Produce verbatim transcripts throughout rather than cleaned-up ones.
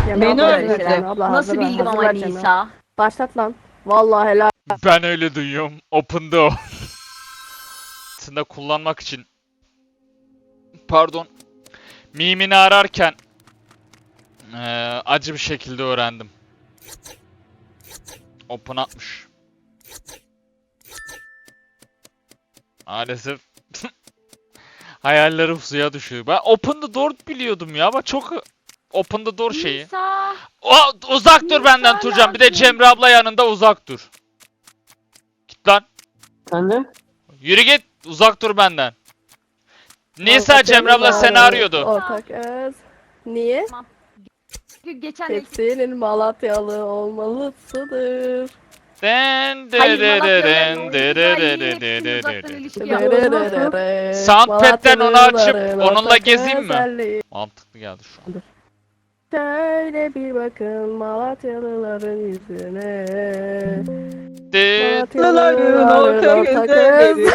Cemre Beni abla, öyle Cemre dedi. abla, Nasıl hazır ver, bildim hazır ama ver Cemre. Nisa? Başlat lan. Vallahi helal. Ben öyle duyuyorum. Open'da o. Aslında kullanmak için. Pardon. Mimini ararken eee, acı bir şekilde öğrendim. Open atmış. Maalesef hayallerim suya düşüyor. Ben Open the Door biliyordum ya ama çok Open the Door şeyi. Nisa. O, uzak dur Nisa benden Turcan. Bir de lazım. Cemre abla yanında uzak dur. Git lan. Sen de? Yürü git. Uzak dur benden. Nisa Ortak Cemre abla öz, seni arıyordu. Ortak öz. Niye? Geçen de Hepsinin Malatyalı olmalısıdır. Den de Hayır, de de Malatya'nın den de de de özelliği de de hepsinin de uzaktan de. ilişki yapıyor. Soundpad'den onu açıp Malatyalıların onunla ortak gezeyim mi? özelliği. Mantıklı geldi şu an. Şöyle bir bakın Malatyalıların yüzüne. De- Malatyalıların ortak özelliği.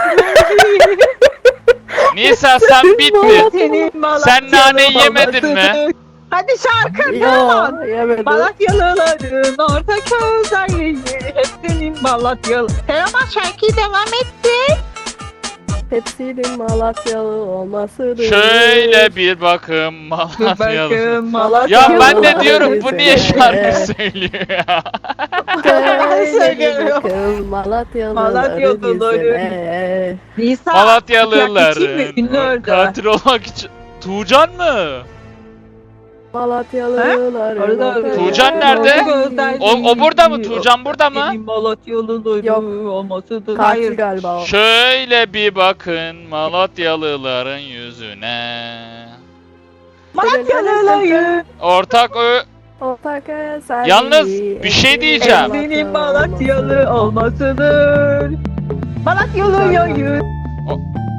Nisa sen bittin. Senin Sen naneyi yemedin mi? Hadi şarkı Yo, devam. yemedim. Malatyalıların ortak özelliği hep senin Malatyalı. Teoman şarkıyı devam etti. Hepsinin Malatyalı olmasıdır. Şöyle bir bakın Malatyalı. Bakın Ya ben de Malatyalıların diyorum bu niye yüzüne. şarkı söylüyor ya? Şöyle bir söylüyorum. bakın Malatyalıların Malatyalıların. yüzüne. Nisa. Malatyalıların Ünlü öldü. katil olmak için. Tuğcan mı? Malatyalıların Orada ortak Tuğcan nerede? özelliği. O, o burada mı? Tuğcan burada mı? Senin Malatyalıların Yok. olmasıdır. Katil Hayır. galiba o. Şöyle bir bakın Malatyalıların yüzüne. Malatyalıların. Ortak ö... Ortak özelliği. Yalnız bir şey diyeceğim. Senin Malatyalı olmasıdır. Malatyalıların. O-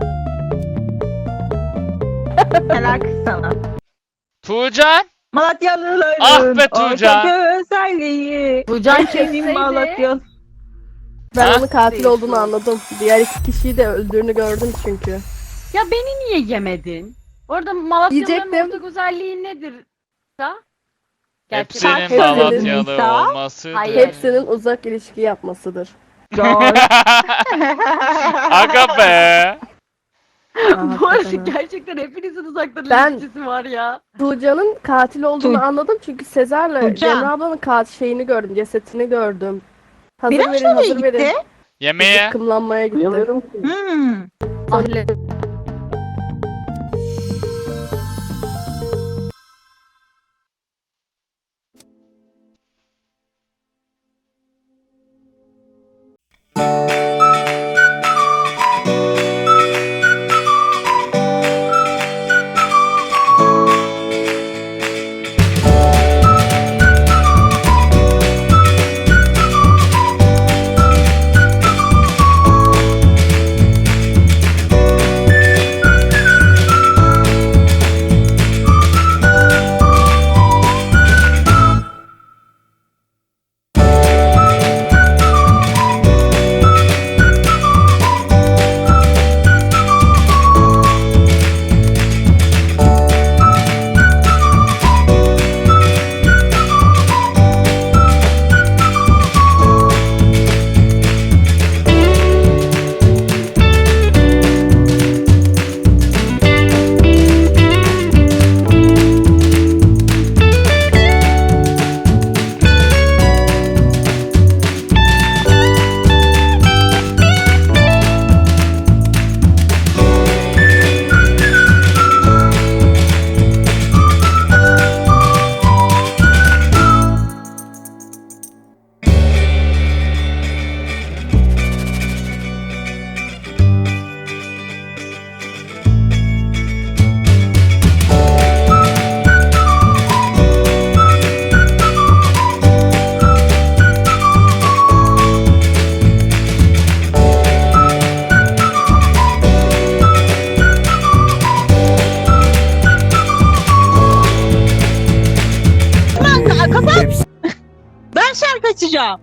Helal kız sana. Tuğcan? Malatyalıların Ah be Tuğcan. ortak özelliği. Tuğcan Senin kesseydi. Malatyalı. Ben Ha? onun katil olduğunu anladım. Diğer iki kişiyi de öldüğünü gördüm çünkü. Ya beni niye yemedin? Orada Malatyalıların Yiyecektim. ortak özelliği nedir? Nisa? Gerçi Hepsinin Hepsinin Malatyalı Nisa. olması. Hayır. Hepsinin uzak ilişki yapmasıdır. Aga be. Bu arada hakikaten. gerçekten hepinizin uzaktan Ben- ilişkisi var ya. Tuğcan'ın katil olduğunu Tu- anladım çünkü Sezar'la Tuğcan. Cemre ablanın katil şeyini gördüm, cesetini gördüm. Hazır Biraz verin, nereye hazır gitti? verin. Yemeğe. Kımlanmaya gitti. Hmm. Ahle. Ben şarkı açacağım.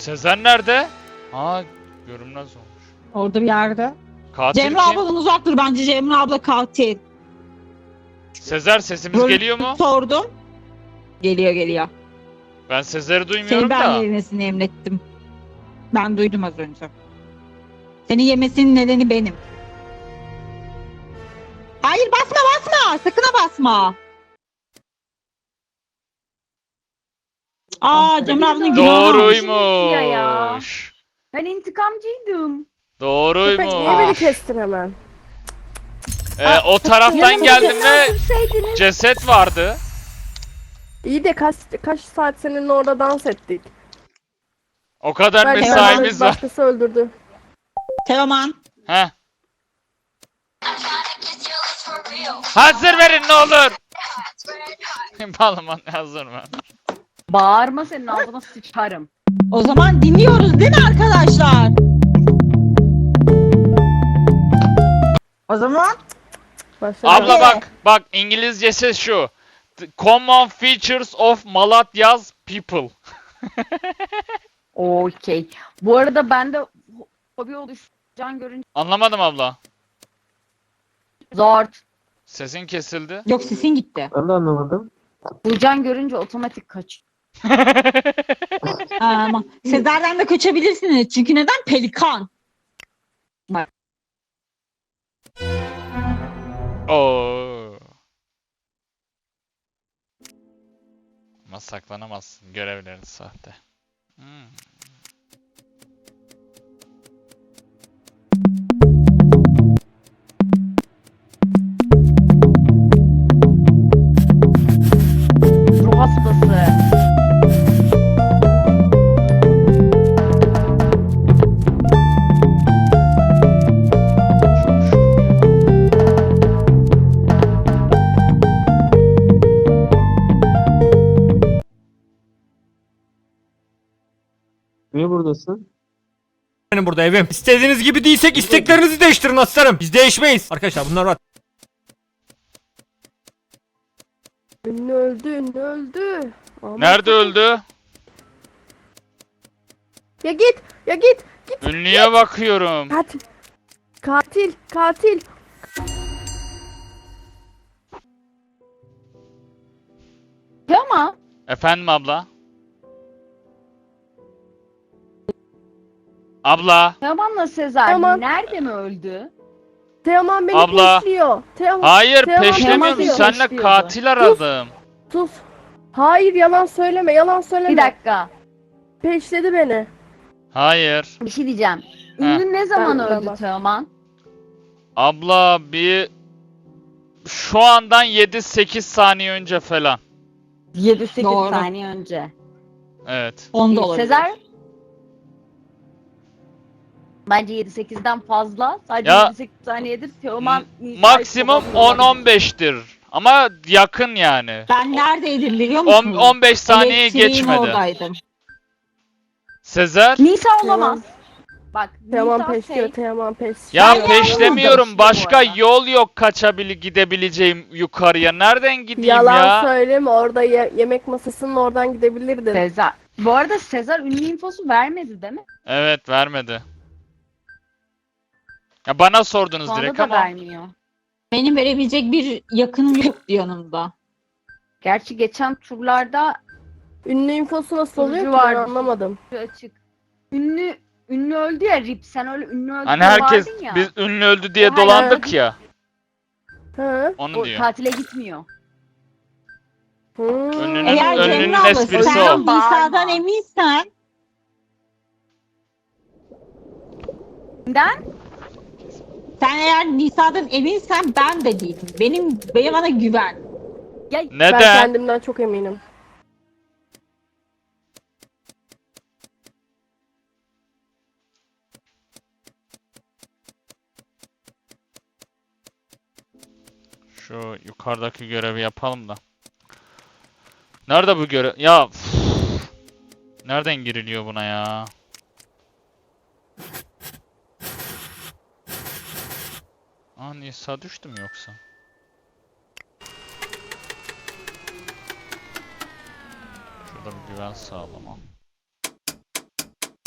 Sezer nerede? Aa, görünmez olmuş. Orada bir yerde. Katil Cemre kim? abladan uzak dur bence. Cemre abla katil. Sezer sesimiz Rolü geliyor mu? Sordum. Geliyor geliyor. Ben Sezer'i Seni duymuyorum ben da. yemesini emrettim. Ben duydum az önce. Seni yemesinin nedeni benim. Hayır basma basma. Sakın ha basma. Aa Cemre ablanın günahı. Ya ya. Doğruymuş. Ben intikamcıydım. Köpek niye beni Doğruymuş. kestin hemen? Ee, o taraftan Yanımda geldiğimde öldürseydiniz. ceset vardı. İyi de kaç kaç saat seninle orada dans ettik. O kadar Belki mesaimiz bana var. başkası öldürdü. Teoman. Heh. Hazır verin ne olur. Balman hazır mı? Bağırma, senin ağzına sıçarım. O zaman dinliyoruz değil mi arkadaşlar? O zaman Başladı. Abla bak bak İngilizcesi şu. The common features of Malatya'z people. Okey. Bu arada ben de hobi oluşan görünce Anlamadım abla. zor. Sesin kesildi. yok sesin gitti. Ben de anlamadım. Burcan görünce otomatik kaç. Ama Sezer'den de kaçabilirsiniz. Çünkü neden? Pelikan. Oo. Ama saklanamazsın. Görevlerin sahte. Hmm. Ruh hastası. Çok şükür. Niye buradasın? Benim burada evim. İstediğiniz gibi değilsek isteklerinizi değiştirin aslanım. Biz değişmeyiz. Arkadaşlar bunlar var. Ünlü öldü, ünlü öldü. Aman Nerede sakın. öldü? Ya git, ya git. Ünlüye bakıyorum. Katil. Katil, katil. Ama Efendim abla? Abla? Teoman'la Sezer Teoman. nerede mi öldü? Teoman beni Abla. peşliyor. Teoman, Hayır Teoman peşlemiyorum. peşliyor. Seninle Peşliyordu. katil aradım. sus. Hayır yalan söyleme, yalan söyleme. Bir dakika. Peşledi beni. Hayır. Bir şey diyeceğim. Ünlü ne zaman Ben- ben öldü bak- Teoman? Abla bir... Şu andan yedi sekiz saniye önce falan. yedi sekiz Doğru. saniye önce. Evet. Onda olabilir. Sezer? Bence yedi sekizden fazla. Sadece Ya- yedi sekiz saniyedir Teoman Nisa'yı Maksimum kovalıyor. on on beştir. Ama yakın yani. Ben neredeydim biliyor on musun? on beş saniye Elektriğin geçmedi. oradaydım. Sezer? Nisa olamaz. Bak Teoman Nisa peşliyor, şey. Teoman peşliyor. Ya Ben peşlemiyorum. yandım. Başka Bu arada. yol yok kaçabil gidebileceğim yukarıya. Nereden gideyim Yalan ya? söyleme, orada ye- yemek masasının oradan gidebilirdin. Sezer. Bu arada Sezer ünlü infosu vermedi değil mi? Evet vermedi. Ya bana sordunuz Şu anda direkt da ama. vermiyor. Benim verebilecek bir yakınım yoktu yanımda. Gerçi geçen turlarda Ünlü infosu nasıl oluyor Sunucu ki ben vardı. anlamadım. açık. Ünlü ünlü öldü ya Rip. Sen öyle ünlü öldü Hani diye herkes bağırdın ya. biz ünlü öldü diye O dolandık ya. Hı? Onu O diyor. tatile gitmiyor. Hı. Ünlünün- Eğer önünün Cemre abla esprisi sen o. Nisa'dan eminsen Neden? sen eğer Nisa'dan eminsen ben de değilim. Benim, benim bana güven. Ben Neden? kendimden çok eminim. Şu yukarıdaki görevi yapalım da. Nerede bu görev? Ya üf. Nereden giriliyor buna ya? Aa Nisa düştü mü yoksa? Şurada bir güven sağlama.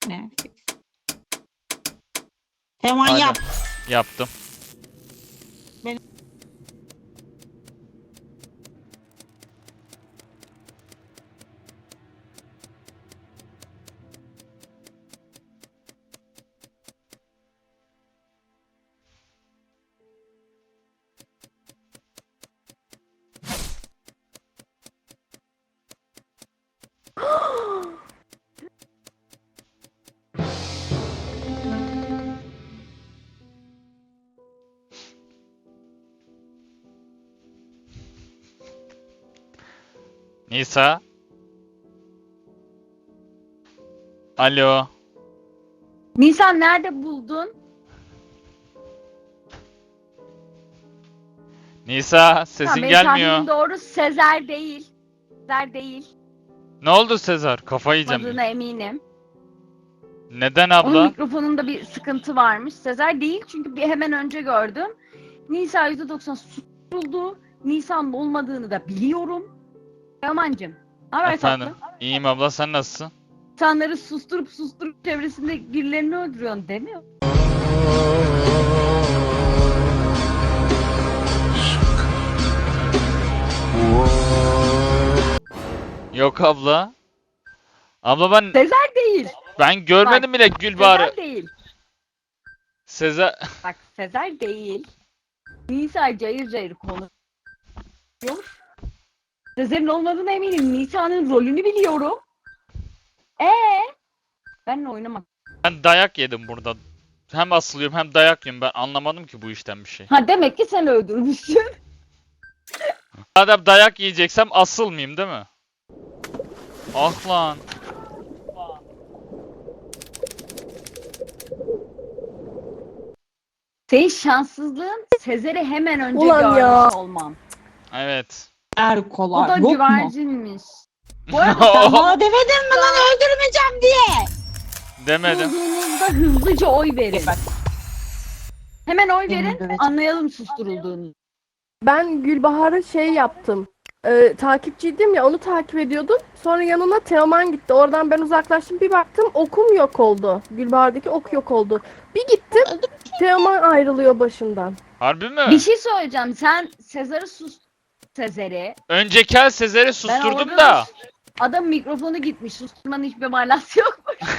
Ne? Teoman Hadi. yap. Yaptım. Nisa. Alo. Nisan nerede buldun? Nisa, sesin Tamam, benim gelmiyor. tahminim doğru. Sezer değil. Sezer değil. Ne oldu Sezar? Kafayı yiyeceğim. Olmadığına eminim. Neden Onun abla? mikrofonunda bir sıkıntı varmış. Sezer değil çünkü bir hemen önce gördüm. Nisa yüzde doksan susturuldu. Nisan'ın olmadığını da biliyorum. Teoman'cığım. Ne haber Efendim. tatlım? İyiyim abla, sen nasılsın? İnsanları susturup susturup çevresinde birilerini öldürüyorsun değil mi? Yok abla. Abla ben Sezer değil. ben görmedim bile Gülbahar'ı. Sezer değil. Sezer Bak Sezer değil. Nisa cayır cayır konuşuyor. Sezer'in olmadığına eminim. Nisa'nın rolünü biliyorum. Ee, benle oynamak. ben dayak yedim burada. Hem asılıyorum hem dayak yiyorum. Ben anlamadım ki bu işten bir şey. Ha demek ki sen öldürmüşsün. Madem dayak yiyeceksem asılmayayım değil mi? Ah lan. Senin şanssızlığın Sezer'i hemen önce Ulan görmüş ya. olmam. Evet. O Erkolar da yok mu? güvercinmiş. Bu arada Sen bana demedin mi lan öldürmeyeceğim diye? Demedim. bulduğunuzda hızlıca oy verin. Hemen oy Beni verin, dövecek. anlayalım susturulduğunu. Ben Gülbahar'a şey yaptım. Ee, takipçiydim ya, onu takip ediyordum. Sonra yanına Teoman gitti. Oradan ben uzaklaştım. Bir baktım okum yok oldu. Gülbahar'daki ok yok oldu. Bir gittim. Teoman ayrılıyor başından. Harbi mi? Bir şey söyleyeceğim. Sen Sezar'ı sus... Sezer'i. Önceki el Sezer'i Ben susturdum orada da. Adam mikrofonu gitmiş. Susturmanın hiçbir manası yok.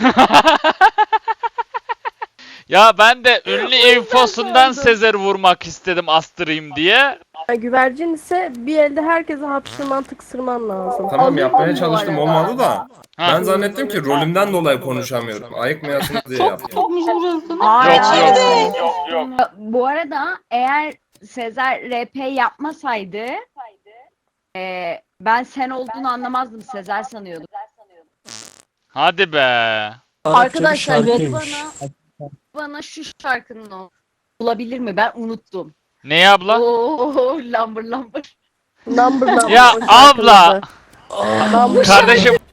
Ya ben de ünlü infosundan sordum. Sezer'i vurmak istedim, astırayım diye. Yani güvercin ise bir elde herkese hapşırman tıksırman lazım. Tamam Aldım yapmaya bu çalıştım arada. olmadı da. Ha. Ben zannettim ki rolümden dolayı konuşamıyorum. Ayıkmayasınız diye yaptım. Hayır, Yok, hayır. yok. Yok yok. Bu arada eğer Sezer R P yapmasaydı e, ben sen olduğunu anlamazdım. Sezer sanıyordum. Hadi be. Arkadaşlar Bana, bana şu şarkının o- olabilir mi? Ben unuttum. Ne abla? Oo, lambır lambır. number number. Ya o abla. şarkımızda. Number- Kardeşim